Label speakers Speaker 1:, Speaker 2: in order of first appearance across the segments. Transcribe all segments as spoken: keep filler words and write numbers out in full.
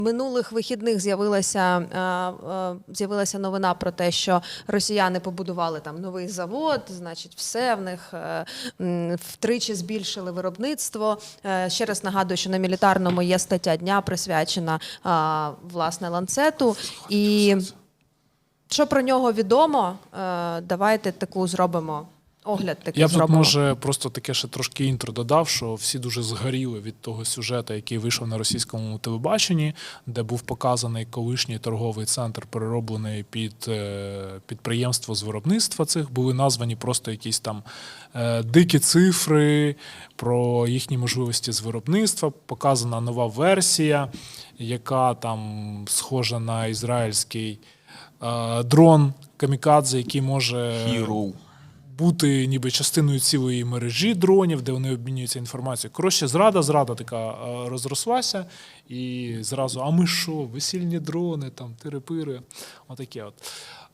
Speaker 1: Минулих вихідних з'явилася з'явилася новина про те, що росіяни побудували там новий завод, значить, все в них втричі збільшили виробництво. Ще раз нагадую, що на Мілітарному є стаття дня, присвячена власне Ланцету. І що про нього відомо, давайте таку зробимо. Огляд такий
Speaker 2: Я б тут,
Speaker 1: зробимо.
Speaker 2: може, просто таке ще трошки інтро додав, що всі дуже згоріли від того сюжету, який вийшов на російському телебаченні, де був показаний колишній торговий центр, перероблений під підприємство з виробництва цих. Були названі просто якісь там дикі цифри про їхні можливості з виробництва. Показана нова версія, яка там схожа на ізраїльський дрон камікадзе, який може...
Speaker 3: Hero.
Speaker 2: бути ніби частиною цілої мережі дронів, де вони обмінюються інформацією. Коротше, зрада, зрада така розрослася, і зразу, а ми що, весільні дрони, там, тири-пири, отаке от.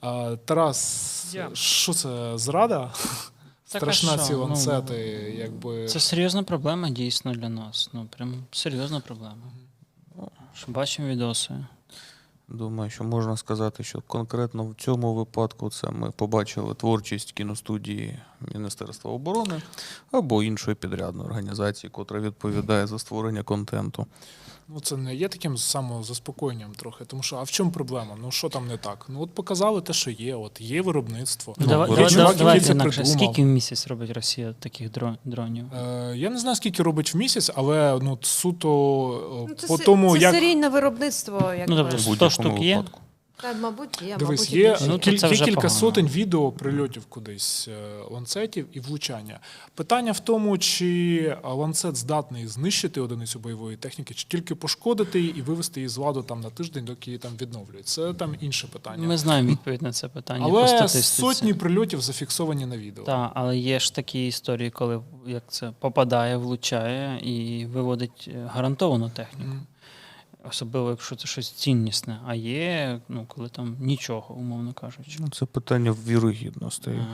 Speaker 2: Тарас,
Speaker 4: Я.
Speaker 2: що це, зрада?
Speaker 4: Так,
Speaker 2: Страшна
Speaker 4: а що?
Speaker 2: ці ланцети,
Speaker 4: Ну,
Speaker 2: якби...
Speaker 4: Це серйозна проблема дійсно для нас. Ну, прям серйозна проблема. Що бачимо відоси.
Speaker 3: Думаю, що можна сказати, що конкретно в цьому випадку це ми побачили творчість кіностудії Міністерства оборони або іншої підрядної організації, котра відповідає за створення контенту.
Speaker 2: Ну, це не є таким самозаспокоєнням трохи, тому що, а в чому проблема? Ну, що там не так? Ну, от показали те, що є, от є виробництво.
Speaker 4: Ну,
Speaker 2: Ну,
Speaker 4: давай,
Speaker 2: є
Speaker 4: давай,
Speaker 2: чувак,
Speaker 4: давай,
Speaker 2: який це
Speaker 4: інакше.
Speaker 2: придумав.
Speaker 4: Скільки в місяць робить Росія таких дрон- дронів?
Speaker 2: Е, я не знаю, скільки робить в місяць, але ну, суто
Speaker 1: Ну, це
Speaker 2: по
Speaker 1: се-
Speaker 2: тому,
Speaker 1: це
Speaker 2: як...
Speaker 1: серійне виробництво. Якби.
Speaker 4: Ну, добре,
Speaker 3: В
Speaker 4: сто
Speaker 3: будь-якому
Speaker 4: штук є?
Speaker 3: випадку.
Speaker 1: Та, мабуть, є,
Speaker 2: Дивись,
Speaker 1: мабуть, і
Speaker 2: є,
Speaker 1: більше.
Speaker 4: Ну, то
Speaker 2: кіль-
Speaker 4: це
Speaker 2: є
Speaker 4: вже
Speaker 2: кілька
Speaker 4: погано.
Speaker 2: сотень відео прильотів кудись е, ланцетів і влучання. Питання в тому, чи ланцет здатний знищити одиницю бойової техніки, чи тільки пошкодити її і вивести її з ладу там на тиждень, доки її там відновлюють. Це там інше питання.
Speaker 4: Ми знаємо відповідь на це питання по
Speaker 2: Але
Speaker 4: статистиці.
Speaker 2: сотні прильотів зафіксовані на відео.
Speaker 4: Так, але є ж такі історії, коли як це попадає, влучає і виводить е, гарантовану техніку.
Speaker 2: Мгм.
Speaker 4: Особливо, якщо це щось ціннісне. А є, ну, коли там нічого, умовно кажучи.
Speaker 3: Ну, це питання вірогідності.
Speaker 4: Е,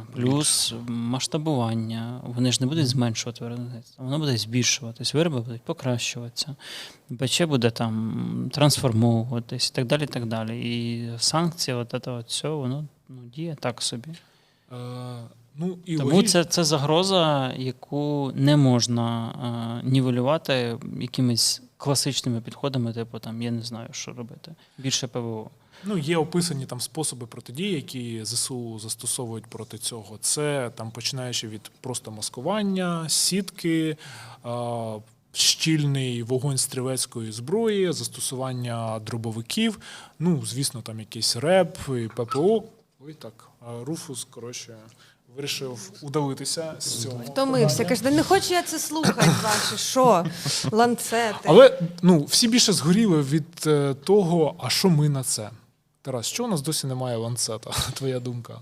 Speaker 4: Плюс масштабування. Вони ж не будуть зменшувати виробництво, воно буде збільшуватись, вироби будуть покращуватися, БЧ буде там трансформовуватись і так далі. І так далі. І санкції, от це от все, воно ну, діє так собі.
Speaker 2: Е, ну, і
Speaker 4: Тому
Speaker 2: логічно.
Speaker 4: це, це загроза, яку не можна е, нівелювати якимись класичними підходами, типу там, я не знаю, що робити. Більше ПВО.
Speaker 2: Ну, є описані там способи протидії, які ЗСУ застосовують проти цього. Це там починаючи від просто маскування, сітки, а, щільний вогонь стрілецької зброї, застосування дробовиків, ну, звісно, там якийсь РЕБ і ППО. Ой, так, а Руфус, коротше, вирішив удалитися з цього.
Speaker 1: Втомився. Каже, не хочу я це слухати ваші, що? Ланцети.
Speaker 2: Але ну, всі більше згоріли від е, того, а що ми на це? Тарас, що у нас досі немає ланцета? Твоя думка?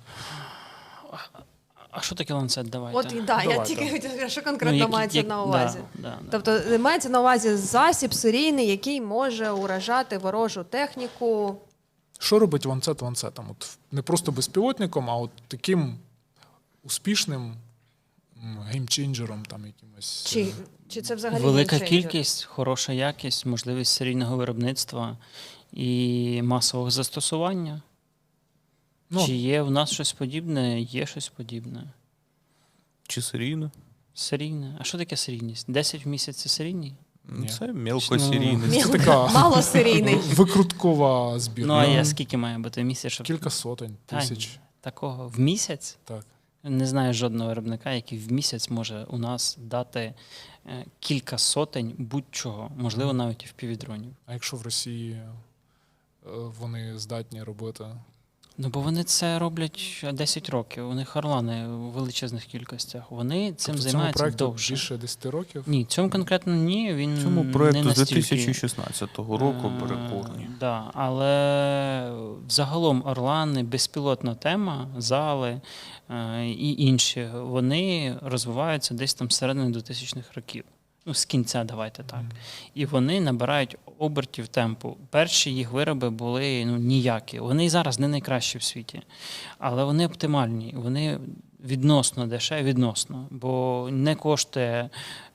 Speaker 4: А що таке ланцет? Давайте.
Speaker 1: От і да, я
Speaker 2: Давайте.
Speaker 1: тільки хотіла сказати, що конкретно
Speaker 4: як-
Speaker 1: мається
Speaker 4: як-
Speaker 1: на увазі.
Speaker 4: Да, да, да.
Speaker 1: Тобто мається на увазі засіб серійний, який може уражати ворожу техніку.
Speaker 2: Що робить ланцет ланцетом? От не просто безпілотником, а от таким успішним м, геймченджером там якимось.
Speaker 1: Чи, чи це взагалі
Speaker 4: Велика
Speaker 1: геймченджер?
Speaker 4: кількість, хороша якість, можливість серійного виробництва і масового застосування.
Speaker 2: Ну,
Speaker 4: Чи є в нас щось подібне? Є щось подібне.
Speaker 3: Чи серійно?
Speaker 4: Серійне. А що таке серійність? десять в місяць це серійний?
Speaker 2: Ні.
Speaker 3: Це мелкосерійний.
Speaker 2: Це така
Speaker 1: Малосерійний.
Speaker 2: викруткова збірка.
Speaker 4: Ну, а я скільки має бути в місяць? Щоб...
Speaker 2: Кілька сотень,
Speaker 4: Та ні.
Speaker 2: тисяч.
Speaker 4: Такого в місяць?
Speaker 2: Так.
Speaker 4: Не знаю жодного виробника, який в місяць може у нас дати е, кілька сотень будь-чого, можливо, навіть і впівдронів.
Speaker 2: А якщо в Росії е, вони здатні робити?
Speaker 4: Ну, бо вони це роблять десять років. У них орлани в величезних кількостях. Вони цим
Speaker 2: Тобто
Speaker 4: займаються
Speaker 2: цьому проекту
Speaker 4: довше.
Speaker 2: більше десять років?
Speaker 4: Ні, цьому конкретно ні. Він
Speaker 3: Цьому
Speaker 4: не
Speaker 3: проекту з
Speaker 4: настільки,
Speaker 3: дві тисячі шістнадцятого року
Speaker 4: е,
Speaker 3: перекорні.
Speaker 4: Да, але загалом Орлани, безпілотна тема, зали е, і інші, вони розвиваються десь там з середини двохтисячних років. Ну, з кінця, давайте так. І вони набирають обертів темпу. Перші їх вироби були ну, ніякі. Вони і зараз не найкращі в світі. Але вони оптимальні. Вони відносно дешеві, відносно. Бо не коштує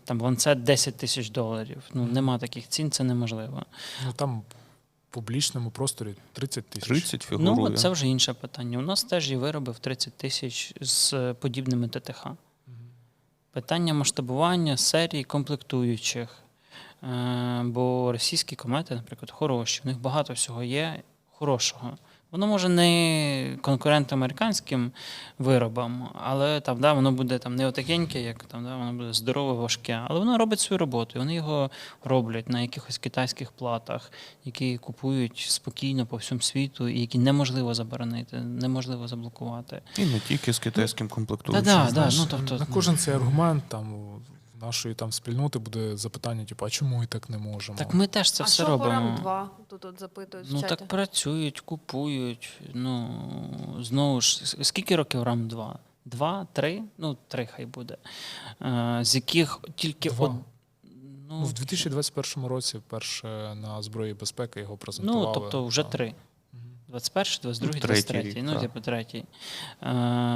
Speaker 4: там ланцет десять тисяч доларів. Ну, нема таких цін, це неможливо.
Speaker 2: Ну там в публічному просторі тридцять тисяч.
Speaker 3: тридцять фігурує.
Speaker 4: Ну, це вже інше питання. У нас теж є вироби в тридцять тисяч з подібними ТТХ. Питання масштабування серії комплектуючих. Е, Бо російські комети, наприклад, хороші, в них багато всього є хорошого. Воно може не конкурент американським виробам, але там, да, воно буде там, не отакеньке, як там, да, воно буде здорове, важке, але воно робить свою роботу, і вони його роблять на якихось китайських платах, які купують спокійно по всьому світу, і які неможливо заборонити, неможливо заблокувати.
Speaker 3: І не тільки з китайським комплектуючим.
Speaker 4: Та-да, да,
Speaker 2: Знаєш,
Speaker 4: ну, тобто,
Speaker 2: на кожен цей аргумент там в нашої там спільноти буде запитання, типу, а чому ми так не можемо?
Speaker 4: Так ми теж це
Speaker 1: а
Speaker 4: все
Speaker 1: що по
Speaker 4: робимо.
Speaker 1: рам два? Тут от запитують
Speaker 4: Ну
Speaker 1: в чаті.
Speaker 4: так працюють, купують. Ну, знову ж, с- скільки років рам два? Два, три? Ну, три хай буде. Е, з яких тільки
Speaker 2: Два.
Speaker 4: од...
Speaker 2: Ну,
Speaker 4: ну,
Speaker 2: в дві тисячі двадцять першому році вперше на зброї безпеки його презентували.
Speaker 4: ну, тобто вже
Speaker 2: Так.
Speaker 4: три. двадцять перший, двадцять другий,
Speaker 3: Ну,
Speaker 4: двадцять
Speaker 3: третій
Speaker 4: третій.
Speaker 3: рік,
Speaker 4: Ну,
Speaker 3: так.
Speaker 4: типу, третій. Е,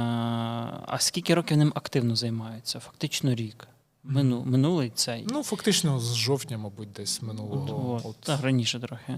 Speaker 4: а скільки років ним активно займаються? Фактично рік. Мину, минулий цей.
Speaker 2: Ну, фактично, з жовтня, мабуть, десь минулого.
Speaker 4: От,
Speaker 2: От.
Speaker 4: так, раніше трохи.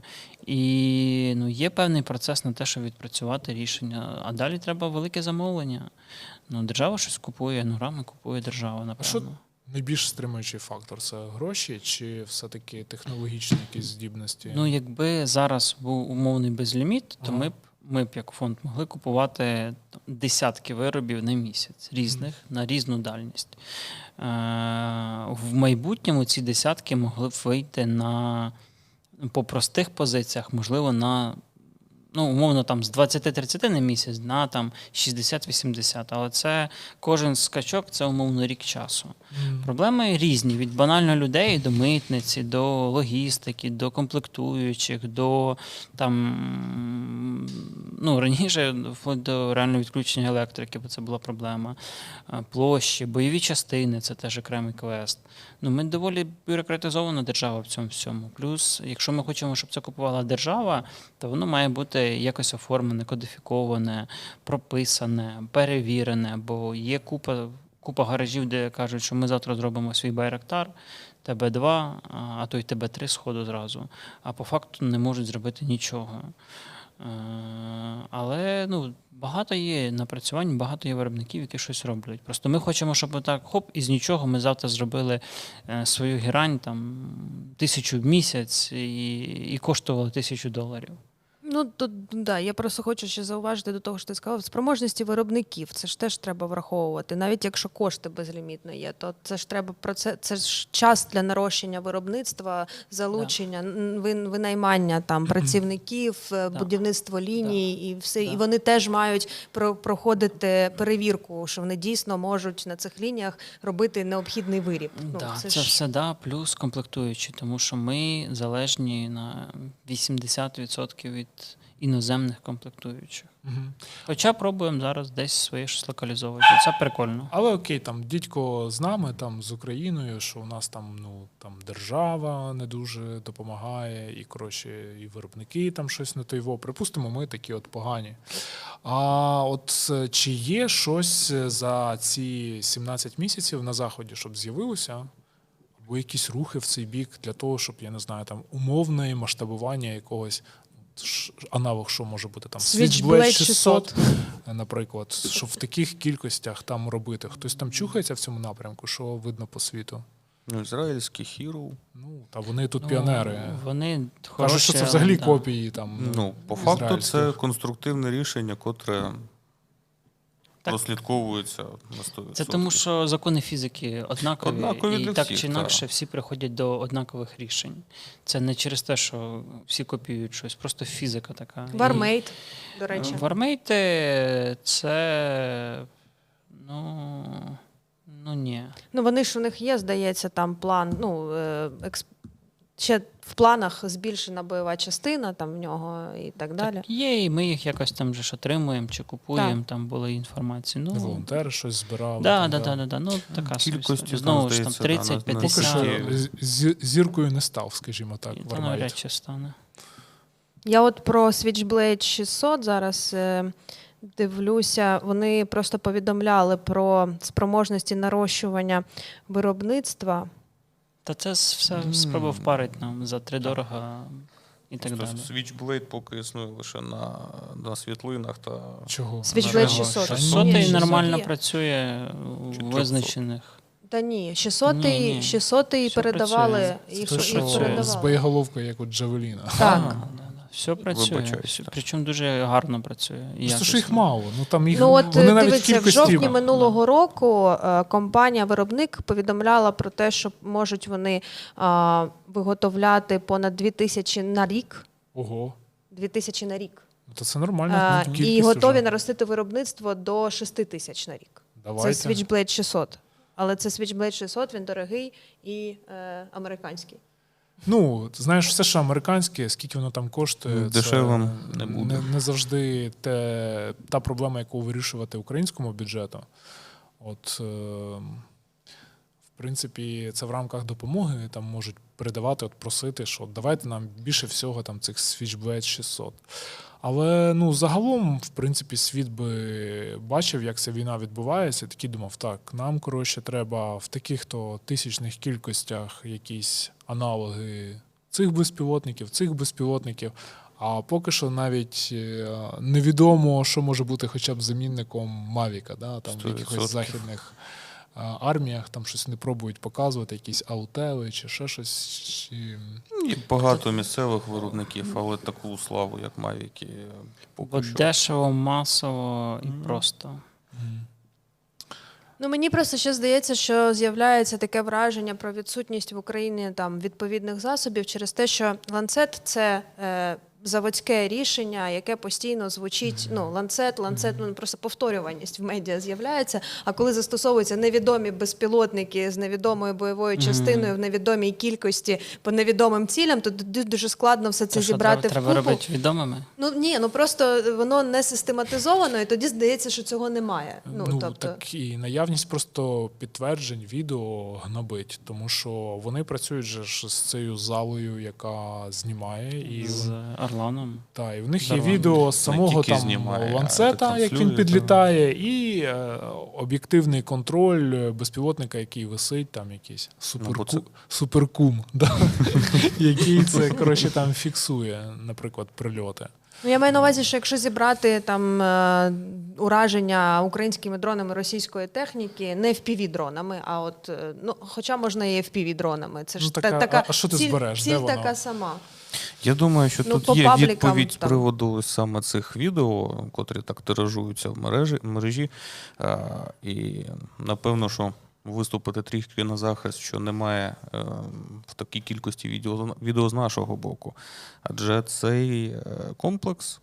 Speaker 4: І ну, є певний процес на те, щоб відпрацювати рішення. А далі треба велике замовлення. Ну, держава щось купує, ну, рами купує держава, напевно.
Speaker 2: А що найбільш стримуючий фактор? Це гроші чи все-таки технологічні якісь здібності?
Speaker 4: Ну, якби зараз був умовний безліміт, то
Speaker 2: Ага.
Speaker 4: ми б, ми б як фонд могли купувати там, десятки виробів на місяць різних, на різну дальність. Е, в майбутньому ці десятки могли б вийти на, по простих позиціях, можливо, на, ну, умовно, там, з двадцять-тридцять на місяць на там, шістдесят-вісімдесят. Але це кожен скачок – це, умовно, рік часу.
Speaker 2: Мгм.
Speaker 4: Проблеми різні: від банально людей до митниці, до логістики, до комплектуючих, до там, ну, раніше вплоть до реального відключення електрики, бо це була проблема. А, Площі, бойові частини це теж окремий квест. Ну, ми доволі бюрократизована держава в цьому всьому. Плюс, якщо ми хочемо, щоб це купувала держава, то воно має бути якось оформлене, кодифіковане, прописане, перевірене, бо є купа. Купа гаражів, де кажуть, що ми завтра зробимо свій Байрактар, Т Б два, а то й Т Б три сходу зразу. А по факту не можуть зробити нічого. Е, Але ну, багато є напрацювань, багато є виробників, які щось роблять. Просто ми хочемо, щоб так, хоп, із нічого ми завтра зробили е, свою герань там, тисячу в місяць і, і коштувало тисячу доларів.
Speaker 1: Ну, тут, да, я просто хочу ще зауважити до того, що ти сказав, спроможності виробників, це ж теж треба враховувати. Навіть якщо кошти безлімітно є, то це ж треба про це, це ж час для нарощення виробництва, залучення, н- вин- винаймання там працівників, е, будівництво ліній і все.
Speaker 4: Да.
Speaker 1: І вони теж мають про- проходити перевірку, що вони дійсно можуть на цих лініях робити необхідний виріб. Ну,
Speaker 4: Да,
Speaker 1: це
Speaker 4: це
Speaker 1: ж-
Speaker 4: все да, плюс комплектуючі, тому що ми залежні на вісімдесят відсотків від іноземних комплектуючих.
Speaker 2: Мгм.
Speaker 4: Хоча пробуємо зараз десь своє щось локалізовувати. Це прикольно.
Speaker 2: Але окей, там дідько з нами, там з Україною, що у нас там ну там держава не дуже допомагає, і коротше, і виробники там щось не тойво. Припустимо, ми такі от погані. А от е, чи є щось за ці сімнадцять місяців на заході, щоб з'явилося? Або якісь рухи в цей бік для того, щоб я не знаю, там умовне масштабування якогось. ш- Аналог, що може бути там
Speaker 1: Switchblade
Speaker 2: шістсот, наприклад, що в таких кількостях там робити. Хтось там чухається в цьому напрямку, що видно по світу.
Speaker 3: Ну, ізраїльський Hero.
Speaker 2: Ну, та вони тут
Speaker 4: Ну,
Speaker 2: піонери.
Speaker 4: Вони
Speaker 2: Кажуть,
Speaker 4: хороші,
Speaker 2: що це
Speaker 4: але,
Speaker 2: взагалі
Speaker 4: да.
Speaker 2: копії там.
Speaker 3: Ну, по факту, це
Speaker 2: ізраїльських.
Speaker 3: конструктивне рішення, котре
Speaker 4: Так.
Speaker 3: прослідковується на сто відсотків.
Speaker 4: Це тому, що закони фізики однакові,
Speaker 3: Однакові
Speaker 4: і
Speaker 3: для
Speaker 4: так
Speaker 3: всіх,
Speaker 4: чи інакше всі приходять до однакових рішень. Це не через те, що всі копіюють щось, просто фізика така. І-
Speaker 1: Вармейт, до речі.
Speaker 4: Вармейти це. Ну. Ну ні.
Speaker 1: Ну, вони ж у них є, здається, там план, ну, е, експ... ще в планах збільшена бойова частина там в нього і так далі.
Speaker 4: Так є, і ми їх якось там же ж отримуємо чи купуємо,
Speaker 1: Так.
Speaker 4: там були інформації. Ну,
Speaker 2: Волонтери щось збирали.
Speaker 4: да,
Speaker 2: там,
Speaker 4: да, да, да, да. Ну, така собі
Speaker 3: Кількості
Speaker 4: історія.
Speaker 3: там,
Speaker 4: Знову ж там
Speaker 3: здається, да,
Speaker 4: тридцять
Speaker 3: на- на
Speaker 2: Поки що
Speaker 4: п'ятдесят.
Speaker 3: Десятки.
Speaker 2: з- зіркою не став, скажімо так,
Speaker 4: Та
Speaker 2: Вармейт.
Speaker 4: навряд чи стане.
Speaker 1: Я от про Switchblade шістсот зараз е, дивлюся, вони просто повідомляли про спроможності нарощування виробництва.
Speaker 4: Та це с- все
Speaker 2: М.
Speaker 4: спроба впарить нам за три дорога і так
Speaker 3: Просто
Speaker 4: далі.
Speaker 3: Switchblade поки існує лише на, на світлинах та
Speaker 2: Чого?
Speaker 1: Switchblade
Speaker 3: Чого?
Speaker 1: шістсот.
Speaker 2: Та ні,
Speaker 4: шістсот
Speaker 1: Ні,
Speaker 4: і
Speaker 1: шістсот
Speaker 4: нормально
Speaker 1: є.
Speaker 4: працює у
Speaker 3: Чи трьохсот?
Speaker 4: визначених.
Speaker 1: Та ні, шістсот
Speaker 4: Ні, ні.
Speaker 1: шістсот
Speaker 4: Все
Speaker 1: передавали,
Speaker 4: працює.
Speaker 1: їх,
Speaker 2: Це
Speaker 1: їх
Speaker 2: що з
Speaker 1: передавали.
Speaker 2: боєголовкою, як у Джавеліна.
Speaker 1: Так.
Speaker 4: Да, да, да. Все працює.
Speaker 3: Вибачаюсь,
Speaker 4: Все-
Speaker 3: так.
Speaker 4: Причому дуже гарно працює. і
Speaker 2: Просто що їх
Speaker 4: якісно.
Speaker 2: мало. Ну там їх
Speaker 1: Ну от
Speaker 2: вони навіть в
Speaker 1: дивіться, в
Speaker 2: кількості.
Speaker 1: жовтні минулого року е, компанія-виробник повідомляла про те, що можуть вони е, виготовляти понад дві тисячі на рік.
Speaker 2: Ого.
Speaker 1: Дві тисячі на рік.
Speaker 2: Ну, то це нормально.
Speaker 1: Е,
Speaker 2: ну,
Speaker 1: і
Speaker 2: кількість
Speaker 1: готові
Speaker 2: вже.
Speaker 1: наростити виробництво до шести тисяч на рік.
Speaker 2: Давайте.
Speaker 1: Це Switchblade шістсот. Але це Switchblade шістсот, він дорогий і е, американський.
Speaker 2: Ну, ти знаєш, все, що американське, скільки воно там коштує,
Speaker 3: Дешевим
Speaker 2: це
Speaker 3: не буде.
Speaker 2: Не, не завжди те, та проблема, яку вирішувати українському бюджету. От, е, в принципі, це в рамках допомоги там можуть передавати, от просити, що давайте нам більше всього там цих Switchblade шістсот. Але ну, загалом, в принципі, світ би бачив, як ця війна відбувається, і такий думав, так, нам, коротше, треба в таких-то тисячних кількостях якісь аналоги цих безпілотників, цих безпілотників. А поки що навіть е, невідомо, що може бути хоча б замінником Мавіка, да? Там в
Speaker 3: сто
Speaker 2: якихось
Speaker 3: відсотків.
Speaker 2: західних е, арміях, там щось не пробують показувати, якісь аутели чи ще щось. Чи...
Speaker 3: Є багато місцевих виробників, але таку славу, як Mavic,
Speaker 4: Бо
Speaker 3: поки що.
Speaker 4: дешево, масово і
Speaker 2: Мгм.
Speaker 4: просто.
Speaker 2: Мгм.
Speaker 1: Ну, мені просто ще здається, що з'являється таке враження про відсутність в Україні там відповідних засобів через те, що ланцет це е, заводське рішення, яке постійно звучить. Ну, ланцет, ланцет, ну просто повторюваність в медіа з'являється. А коли застосовуються невідомі безпілотники з невідомою бойовою
Speaker 4: Мгм.
Speaker 1: частиною в невідомій кількості по невідомим цілям, то ду- дуже складно все це
Speaker 4: Те, що
Speaker 1: зібрати
Speaker 4: треба,
Speaker 1: в
Speaker 4: треба
Speaker 1: купу.
Speaker 4: робити відомими.
Speaker 1: Ну ні, ну просто воно не систематизовано, і тоді здається, що цього немає. Ну,
Speaker 2: Ну,
Speaker 1: тобто...
Speaker 2: так і наявність просто підтверджень відео гнобить, тому що вони працюють же ж з цією залою, яка знімає, і,
Speaker 4: З Орланом.
Speaker 2: та, і в них
Speaker 4: з
Speaker 2: є
Speaker 4: Орланом.
Speaker 2: відео з
Speaker 3: Не
Speaker 2: самого
Speaker 3: тільки
Speaker 2: там
Speaker 3: знімає, а
Speaker 2: ланцета, як він
Speaker 3: ретранслює,
Speaker 2: підлітає, і е, об'єктивний контроль безпілотника, який висить, там якийсь суперку...
Speaker 3: бо це-
Speaker 2: суперкум, да? який це коротше, там фіксує, наприклад, прильоти.
Speaker 1: Ну, я маю на увазі, що якщо зібрати там е, ураження українськими дронами російської техніки, не еф пі ві-дронами, а от, е, ну, хоча можна і еф пі ві-дронами. Це ж
Speaker 2: Ну,
Speaker 1: та-
Speaker 2: така-
Speaker 1: така,
Speaker 2: а- а що ти
Speaker 1: ціль,
Speaker 2: збереш?
Speaker 1: Ціль
Speaker 2: Де воно?
Speaker 1: така сама.
Speaker 3: Я думаю, що
Speaker 1: Ну, по
Speaker 3: тут є
Speaker 1: паблікам
Speaker 3: відповідь з
Speaker 1: там.
Speaker 3: приводу саме цих відео, котрі так тиражуються в мережі, мережі. А, і напевно, що виступити трішки на захист, що немає е, в такій кількості відео, відео з нашого боку. Адже цей е, комплекс,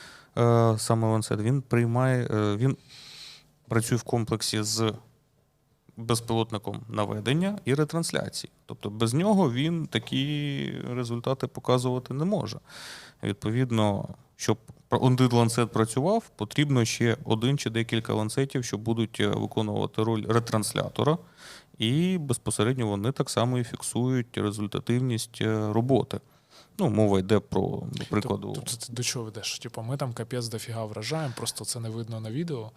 Speaker 3: е, саме Lancet, він приймає, е, він працює в комплексі з безпілотником наведення і ретрансляції. Тобто без нього він такі результати показувати не може. Відповідно, щоб один ланцет працював, потрібно ще один чи декілька ланцетів, що будуть е, виконувати роль ретранслятора, і безпосередньо вони так само і фіксують результативність е, роботи. Ну, мова йде про, до прикладу,
Speaker 2: Тобто ти до чого ведеш? Типу, ми там капець дофіга вражаємо, просто це не видно на відео.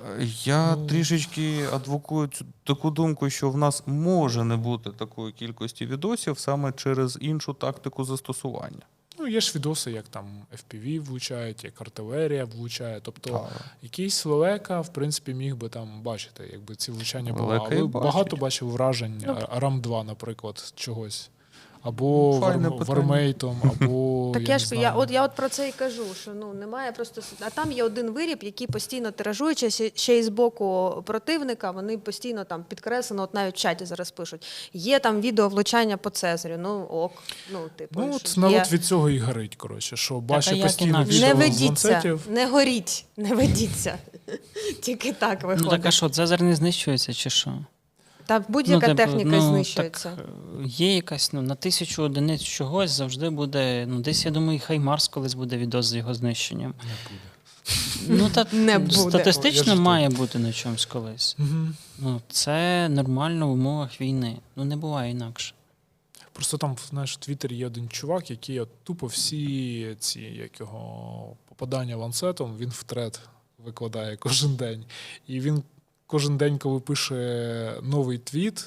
Speaker 3: Я
Speaker 2: Ну.
Speaker 3: трішечки адвокую цю таку думку, що в нас може не бути такої кількості відосів саме через іншу тактику застосування.
Speaker 2: Ну, є ж відоси, як там еф пі ві влучають, як артилерія влучає. Тобто
Speaker 3: Так.
Speaker 2: якийсь лелека, в принципі, міг би там бачити, якби ці влучання були.
Speaker 3: Лелека і
Speaker 2: Але
Speaker 3: бачить.
Speaker 2: багато бачив вражень
Speaker 1: Ну,
Speaker 2: рам два, наприклад, чогось. Або
Speaker 3: Ну, файне
Speaker 2: вар-
Speaker 3: питання.
Speaker 2: вармейтом, або
Speaker 1: Так
Speaker 2: я,
Speaker 1: я
Speaker 2: не
Speaker 1: ж
Speaker 2: знаю.
Speaker 1: я от я от про це і кажу, що ну немає просто с- а там є один виріб, який постійно тиражується ще- ще й з боку противника. Вони постійно там підкреслено, от навіть в чаті зараз пишуть. Є там відео влучання по Цезарю. Ну ок, ну типу
Speaker 2: Ну, от
Speaker 1: що
Speaker 2: народ
Speaker 1: є.
Speaker 2: від цього і горить, коротше, що
Speaker 4: а
Speaker 2: бачить
Speaker 4: як
Speaker 2: постійно
Speaker 4: інакше?
Speaker 2: відео
Speaker 1: Не
Speaker 2: з
Speaker 1: ведіться,
Speaker 2: ланцетів.
Speaker 1: не горіть, не ведіться. Тільки так
Speaker 4: Ну
Speaker 1: виходить.
Speaker 4: так а що, Цезар не знищується чи що?
Speaker 1: Та будь-яка
Speaker 4: типу,
Speaker 1: техніка
Speaker 4: ну,
Speaker 1: знищується.
Speaker 4: Так, е, є якась, ну, на тисячу одиниць чогось завжди буде, ну, десь, я думаю, хай Марс колись буде відос з його знищенням.
Speaker 2: Не буде.
Speaker 4: Ну, та,
Speaker 1: Не буде.
Speaker 2: Я
Speaker 4: статистично
Speaker 2: ж
Speaker 4: має бути на чомусь колись.
Speaker 2: Угу.
Speaker 4: Ну, це нормально в умовах війни. Ну, не буває інакше.
Speaker 2: Просто там, знаєш, в Твіттері є один чувак, який от тупо всі ці, як його попадання ланцетом, він в тред викладає кожен день. І він кожен день, коли пише новий твіт,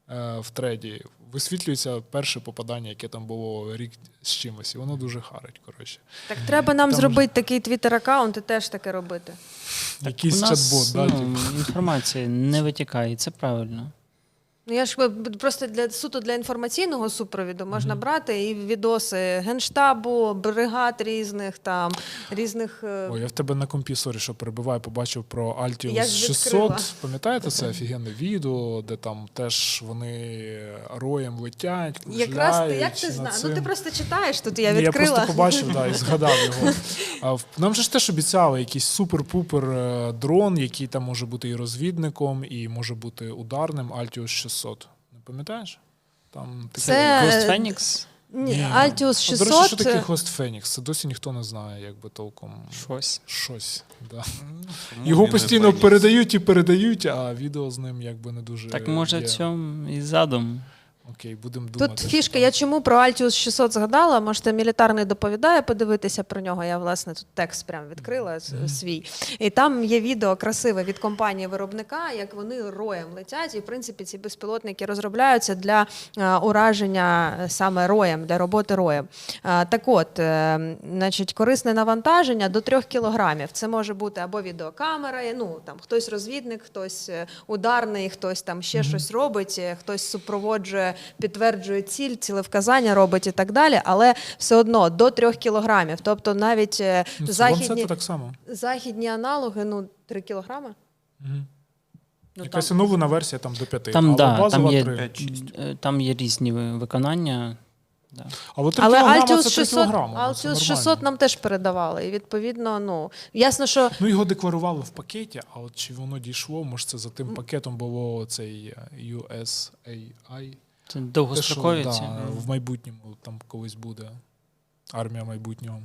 Speaker 2: е, в треді висвітлюється перше попадання, яке там було рік з чимось, і воно дуже харить, коротше.
Speaker 1: Так треба нам
Speaker 2: Там
Speaker 1: зробити такий твіттер-аккаунт і теж таке робити.
Speaker 2: Якийсь
Speaker 4: У нас,
Speaker 2: чат-бот, да,
Speaker 4: ну,
Speaker 2: типу.
Speaker 4: інформація не витікає, і це правильно.
Speaker 1: Ну, я ж е, просто для суто для інформаційного супровіду можна брати і відоси Генштабу, бригад різних, там, різних... е,
Speaker 2: Ой, я в тебе на компі, сорі, що перебиваю, побачив про
Speaker 1: Я
Speaker 2: Altius
Speaker 1: ж відкрила.
Speaker 2: шістсот. Пам'ятаєте це офігенне відео, де там теж вони роєм летять,
Speaker 1: Якраз ти, як
Speaker 2: кружляють
Speaker 1: ти знаєш?
Speaker 2: над
Speaker 1: Ну ти
Speaker 2: цим.
Speaker 1: просто читаєш, тут я
Speaker 2: Ні, я
Speaker 1: відкрила.
Speaker 2: просто побачив, да, і згадав його. А в- Нам же ж теж обіцяли якийсь супер-пупер е, дрон, який там може бути і розвідником, і може бути ударним, Altius шістсот. Не пам'ятаєш? Там таке-
Speaker 1: Це-
Speaker 4: Ghost Phoenix?
Speaker 1: Ні, Altius
Speaker 2: А, до речі, що
Speaker 1: шістсот...
Speaker 2: таке Host Phoenix? Це досі ніхто не знає, якби толком.
Speaker 4: Щось.
Speaker 2: Щось. Да.
Speaker 3: Тому
Speaker 2: Його
Speaker 3: він і
Speaker 2: постійно
Speaker 3: Фенікс.
Speaker 2: передають і передають, а відео з ним якби не дуже.
Speaker 4: Так може
Speaker 2: є.
Speaker 4: в цьому і задум.
Speaker 2: Окей, будемо думати.
Speaker 1: Тут фішка, я чому про Altius шістсот згадала, можете мілітарний доповідає подивитися про нього. Я, власне, тут текст прям відкрила с- свій. І там є відео красиве від компанії-виробника, як вони роєм летять. І, в принципі, ці безпілотники розробляються для е, ураження е, саме роєм, для роботи роєм. Е, так от, е, значить, корисне навантаження до трьох кілограмів. Це може бути або відеокамера, ну, там, хтось розвідник, хтось е, ударний, хтось там ще щось робить, е, хтось супроводжує, підтверджує ціль, цілевказання робить і так далі, але все одно до трьох кілограмів. Тобто навіть е,
Speaker 2: Ну, це
Speaker 1: західні,
Speaker 2: ланцети так само.
Speaker 1: західні аналоги, ну, три кілограми.
Speaker 2: Угу.
Speaker 4: Ну,
Speaker 2: Якась
Speaker 4: там-
Speaker 2: оновлена версія там до п'яти.
Speaker 4: Там,
Speaker 2: але
Speaker 4: да,
Speaker 2: базова
Speaker 4: там, є,
Speaker 2: три.
Speaker 3: п'ять-шість.
Speaker 4: е, там є різні ви- виконання. Да.
Speaker 2: А от три
Speaker 1: Але
Speaker 2: кілограма
Speaker 1: Altius
Speaker 2: це три
Speaker 1: шістсот,
Speaker 2: кілограми. ну, це
Speaker 1: Altius
Speaker 2: нормально.
Speaker 1: шістсот нам теж передавали. І відповідно, ну, ясно, що
Speaker 2: Ну, його декларували в пакеті, а от чи воно дійшло, може це за тим пакетом було цей е, ю ес ей ай.
Speaker 4: Це
Speaker 2: Те, що,
Speaker 4: довгострокові ці.
Speaker 2: да, в майбутньому там колись буде. Армія майбутнього.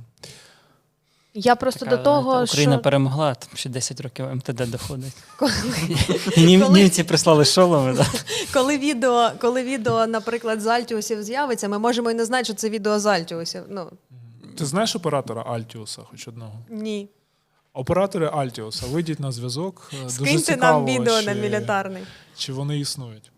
Speaker 1: я просто
Speaker 4: Така,
Speaker 1: до того,
Speaker 4: та Україна
Speaker 1: що
Speaker 4: перемогла, там ще десять років ем те де доходить.
Speaker 1: коли,
Speaker 4: І нім-
Speaker 1: Коли-
Speaker 4: німці прислали шоломи. Да.
Speaker 1: коли відео, коли відео, наприклад, з Альтіусів з'явиться, ми можемо і не знати, що це відео з Альтіусів. Ну,
Speaker 2: Ти знаєш оператора Altius, хоч одного?
Speaker 1: ні.
Speaker 2: Оператори Altius, вийдіть на зв'язок. Е, Дуже
Speaker 1: Скиньте
Speaker 2: цікаво,
Speaker 1: нам відео
Speaker 2: чи,
Speaker 1: на мілітарний.
Speaker 2: чи вони існують.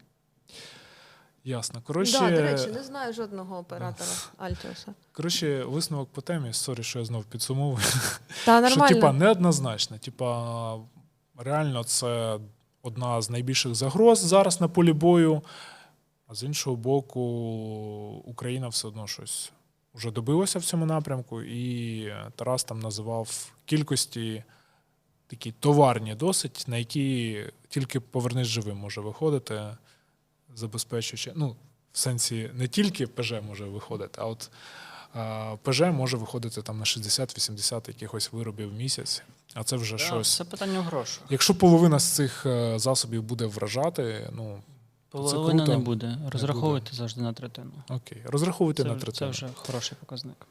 Speaker 2: Ясно. Коротше,
Speaker 1: Да, до речі, не знаю жодного оператора Альтіуса.
Speaker 2: коротше, висновок по темі, сорі, що я знов підсумовую.
Speaker 1: Та
Speaker 2: Що,
Speaker 1: нормально.
Speaker 2: типа, неоднозначно. Типа, реально, це одна з найбільших загроз зараз на полі бою. А з іншого боку, Україна все одно щось вже добилася в цьому напрямку, і Тарас там називав кількості такі товарні досить, на які тільки повернись живим може виходити, забезпечуючи, ну, в сенсі не тільки ПЖ може виходити, а от а, ПЖ може виходити там на шістдесят-вісімдесят якихось виробів в місяць, а це вже
Speaker 4: Да,
Speaker 2: щось.
Speaker 4: Це питання грошей.
Speaker 2: Якщо половина з цих е, засобів буде вражати, ну,
Speaker 4: Половина
Speaker 2: круто.
Speaker 4: не буде. Розраховуйте завжди на третину.
Speaker 2: окей, розраховуйте
Speaker 4: Це,
Speaker 2: на
Speaker 4: вже- це
Speaker 2: третину.
Speaker 4: вже хороший показник.